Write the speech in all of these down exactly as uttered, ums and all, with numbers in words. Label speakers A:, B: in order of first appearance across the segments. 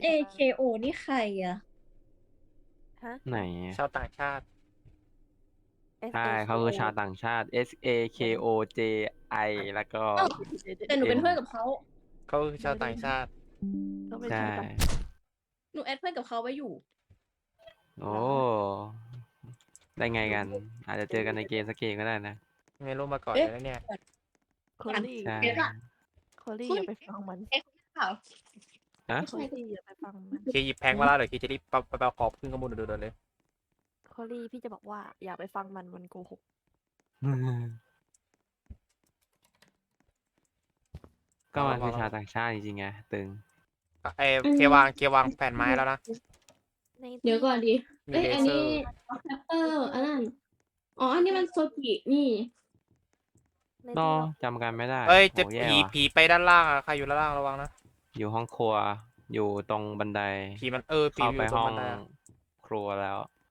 A: เอ เค โอ นี่ใครอะ
B: ฮะ
C: ไหน
D: ชาวต่างชาติ
C: ใช่
B: S A
C: เขาคือชาวต่างชาติ S A K O J I แล้วก็
A: เอ้าแต่หนูเป็น
C: M
A: เพื่อนกับเขา
D: เขาคือชาวต่างชาติ
B: ก็ไม่
C: ใช่
B: ใช่ปะ
A: หนูแอดเพื่อนกับเขาไว้อยู่
C: โอ้ ได้ไงกัน อาจจะเจอกันในเกมสักเกมก็ได้นะ
D: ไม่รู้มาก่อน
A: เอ๊ะ
D: เลยนะเนี่ย
B: โคลี่
C: ใช่
A: เดี๋ยวก่อน
B: โคลี่อย่าไปฟังมัน
A: เอ๊ะเปล่า
C: ฮะ
B: โคลี่อย่าไปฟังมัน
D: เคหยิบแพงมาแล้วเดี๋ยวเคจะรีบไปไปขอบขึ้นข้อมูลเดินๆเลย
B: โคลี่พี่จะบอกว่าอย่าไปฟังมันมันโกหก
C: ก็มันคือชาวต่างชาติจริงๆไงตึง
D: เอเควางเควางแผ่นไม้แล้วนะ
B: ใน
A: เดี๋ยวก่อนดิ
D: มี
A: เอ้ย
D: เล
A: อัน
D: เซอ
A: นี้
D: ร์
A: แรปเปอร์อันนั้น อ๋อ อันนี้มันโซกินี่
B: ใน
C: นอ
B: ที่เรา
C: จำกันไม่ได้
D: เอ้ย
C: โห
D: จะ
C: แย่
D: ผี
C: ว่ะ
D: ผีไปด้านล่างอะใครอยู่ด้านล่างระวังนะ
C: อยู่ห้องครัว อยู่ตรงบันได
D: ผีมันเออผี
C: เข้า
D: อ
C: ไป
D: ยู่ตร
C: ห้
D: ง
C: อง
D: บันไดอะ
C: ครัวแล้ว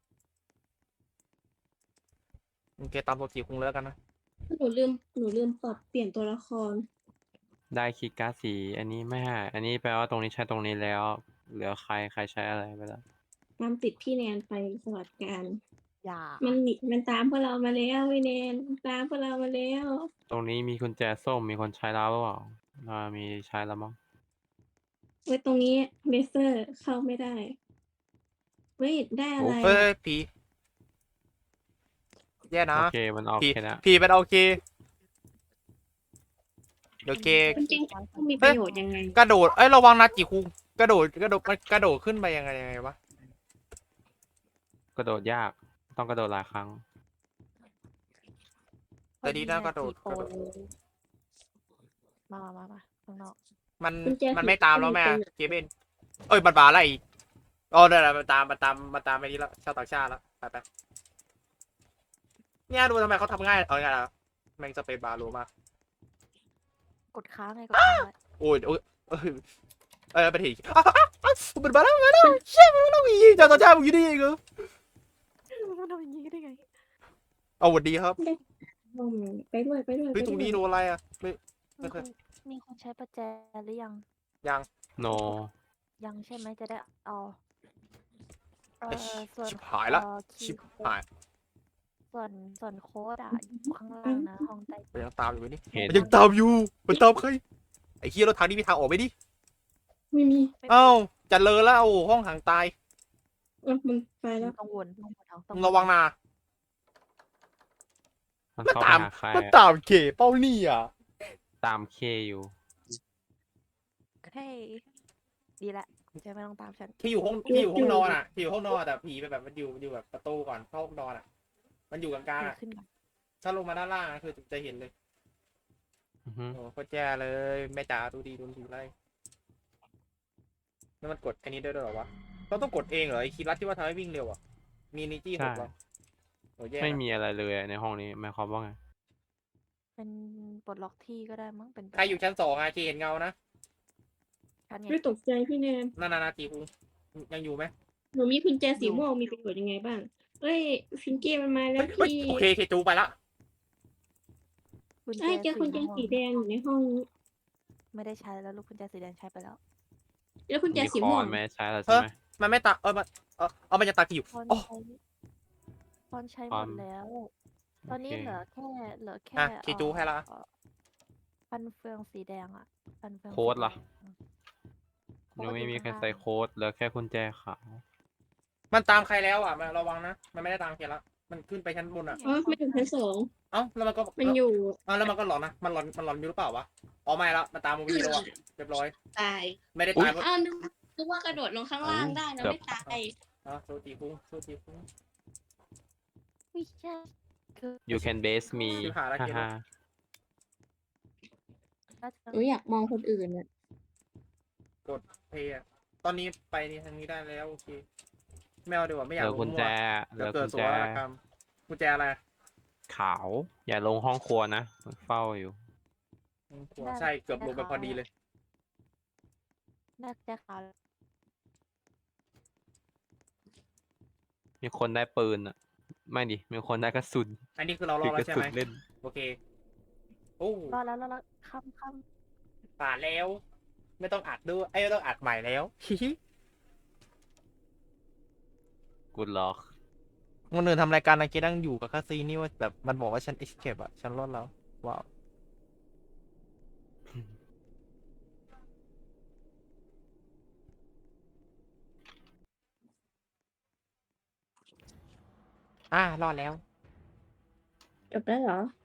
D: โอเคตามปกติคงเลิกกันนะ
A: หนูลืม หนูลืมปรับเปลี่ยนตัวละคร
C: ได้คีย์การ์ดสี อันนี้ไม่ให้อันนี้แปลว่าตรงนี้ใช้ตรงนี้แล้ว เหลือใครใครใช้อะไรไปแล้ว
A: ตามติดพี่แนนไปสวัสดิการ
B: อย่า
A: มันหนีมันตามพวกเรามาแล้วพี่แนนมันตามพวกเรามาแล้ว
C: ตรงนี้มีกุญแจส้ม มีคนใช้แล้วหรือเปล่าอ่ามีใช้แล้วมั้ง
A: ไว้ตรงนี้เลเซอร์เข้าไม่ได้ เฮ้ย ได้อะไร
D: เฮ้ย
A: อะ
D: เฮ้ยผีแย่นะ
C: โอเค มันออก
D: ผี
C: แค่นั้น
D: ผีเป็นโอเคเดี๋ยวเก
A: มันจริงๆต้องมีประโยชน์ยังไง
D: กระโดด เอ้ยระวังนะจิคุงกระโดดกระโดดมันกระโดดขึ้นไปยังไงยังไงวะ
C: กระโดดยาก ต้องกระโดดหลายครั้ง
D: แต่ดีนะกระโดด
B: พอก
D: ระโดด
B: มามามามาข้างนอก
D: มัน
A: กุญแจ
D: มัน
A: ผี
D: ไม่ตามแล้วแม่
A: ไม่มีประโยชน์
D: เกเบนเอ้ยมันบาอะไรอีกอ๋อได้แล้วมันตามมันตามมันตามไปนี่แล้วชาวต่างชาติแล้วไปไปเนี่ยดูทำไมเขาทำง่ายเอาไงล่ะแม่งสเปซบาร์รู้มาก
B: กดค้างไงกดค้างไว้
D: โอ้ยโอ้ยเอ้ยเอ้ยไปทีอ้าวอ้าวอ้าวมันมาแล้วมาแล้วเชี่ยมันมาแล้วอีชาวต่างชาติมึงอยู่นี่เองเหรอ
B: มันทำอย่างนี้ได้ไง
D: เอาสวัสดีครับ
A: อืมไปด้วยไปด้วย
D: เฮ้ยตรงนี้โดนอะไรอ่ะไม่ ไม่
B: มี
D: เค
B: ค
D: ย
B: นมีคนใช้ประแจหรือยัง
D: ยัง
C: โน
B: ยังใช่ไหมจะได้เอาเอ
D: เอ้ย
B: อส่วน
D: ชิบหายละ
B: เอ่อคี
D: ชิ
B: ย์
D: บ
B: โค้
D: หา
B: ด
D: ย
B: ส่วนส่วนโค้ดอ่ะอยู่ข้างล่างนะห้องใต้
D: มันยังตามอยู่ไหมนี่
C: เห็น
D: มันยังตามอยู่มันตามใครไอ้เฮียรถทางนี้มีทางออกไหมดิ
A: ไม่มี
D: เอ้าจะเลอแล้วโอ้ห้องหางตาย
A: เออมันไปแล้ว
B: ต้องวนต้องวนเอาต้อง
D: มึงระวังนะ
C: มัน
D: มัน
C: เข้าไป
D: ตาม
C: หาใคร
D: มัน
C: อะ
D: ตามเขเป้านี่อ่ะ
C: ตามเคอยู่
B: เฮ้ยดีละจะไม่ต้องตามฉัน
D: ที่อยู่ห้องที่อยู่ห้องนอนอ่ะที่อยู่ห้องนอนแต่ผีไปแบบมันอยู่มันอยู่แบบประตูก่อนเข้าห้องนอนอ่ะ มันอยู่กลางๆ
B: เกิด
D: อ่ะ
B: ขึ้นก่อน
D: ถ้าลงมาด้านล่างอะคือจะเห็นเลย
C: อือฮึ
D: โอ้โคตรแย่เลยแม่จ๋าดูดีดูดีไรแล้วมันกดอันนี้ได้ด้วยเหรอวะเราต้องกดเองเหรอไอ้คีย์ลัดที่ว่าทำให้วิ่งเร็วอ่ะมีนิจี้ห
C: ใช่
D: กเหรอโอ้แย่
C: ไม่
D: นะ
C: มีอะไรเลยในห้องนี้หมายความว่าไง
B: เป็นปลดล็อกที่ก็ได้มั้งเป็นไป
D: ใครอยู่ชั้นสองอะเคเห็นเงานะ
B: ชั้นไง
A: ไม่ตกใจพี่แนน
D: นานานาจีคุงยังอยู่ไหม
A: หนูมีกุญแจสีม่วงมีประโยชน์ยังไงบ้าง เอ้ยฟิงเก้มันมาแล้
D: เฮ้
A: วย
D: เฮ้ย
A: พี่
D: โอเคเคจูไปละ
B: กุญแจ
A: เอ้ยเจอกุญแจ
B: ม่วง
A: สีแดงอยู่ในห้อง
B: ไม่ได้ใช้แล้วลูกกุญแจสีแดงใช้ไปแล้ว
A: แล้วกุญแจ
C: มี
A: สี
C: ค
A: ม่
C: อ
A: วง
C: นไม่ใช้แล้วใช่ไหม
D: มันไม่ตาเออมันเออเอามันจะตากี่อยู่
B: พอน
D: อ๋อ
B: ใช้พอนใช้ห
C: พ
B: ม
C: อน
B: ดแล้ว ตอนนี้
C: โอเค
B: เหลือแค่เหลือแค่
D: อ่ะเคจูให้ละ
B: เอ่อฟันเฟืองสีแดงอ่ะฟันเฟือง
C: โค้ด
B: สี
C: ล่ะ
B: แง
C: ยังไม่มีใคร
B: ข้างล่าง
C: ใส่โค้ดเหลือแค่กุญแจขาว
D: มันตามใครแล้วอ่ะมาระวังนะมันไม่ได้ตามเคละมันขึ้นไปชั้นบนอ่ะ
A: อ๋อมันอยู่ชั้นสอง
D: เอ้าแล้วมันก็
A: มันอยู่
D: เอ้าแล้วมันก็หลอนนะมันหลอนมันหลอนอยู่หรือเปล่าวะอ๋อไม่ละมันตามมูวี่แล้วอ่ะเรียบร้อย
A: ตาย
D: ไม่ได้ตายเพราะ
A: อ้าวนึกนึกว่ากระโดดลงข้างล่างได้นะไม่ตาย
D: อ่ะโซจีคุงโซจีคุง
B: ไม่ใช่คือ
C: you can base me
D: ชิบหายละ
C: ฮ่า
D: เกม
C: ฮ่า
B: น่าจะ
A: หนูอยากมองคนอื่นอะ
D: เพย์อะตอนนี้ไปนี่ทางนี้ได้แล้วโอเคไม่เอาดีกว่าไม่อ
C: เห
D: ยาก
C: ลือ
D: ลง
C: กุญ
D: มั่
C: แจ
D: ว
C: เห
D: เดี๋
C: ลื
D: ยว
C: อ
D: เกิ
C: กุ
D: ด
C: ญ
D: โศ
C: แจ
D: กนาฏกรรมกุญแจอะไร
C: ขาว อย่าลงห้องครัวนะเฝ้าอยู่
D: หัวใช่เกือบลงไปพอดีเลย
B: น่าจะขาว
C: มีคนได้ปืนอ่ะ ไม่ดิ มีคนได้กระสุน
D: อันนี้คือเราร
C: ถื
D: อ
C: อ
D: ด
C: ก
D: แล้
C: ระ
D: วใช่
C: สุ
D: ไห
C: น
D: ม
C: เล่น
D: โอเคโอ้
B: รอดแล้วรอดแล้วค่ำค่
D: ผ่านแล้ว ไม่ต้องอัดด้วยไอ้ยไม่ต้องอัดใหม่แล้ว ฮิฮิ
B: ำ
C: กูล็อก
D: คนอื่นทำรายการนะเกนั่งอยู่กับคาซีนี่ว่าแบบมันบอกว่าฉัน escape อะฉันรอดแล้วว้าวอ่ารอดแล้ว
A: จบได้เหรอ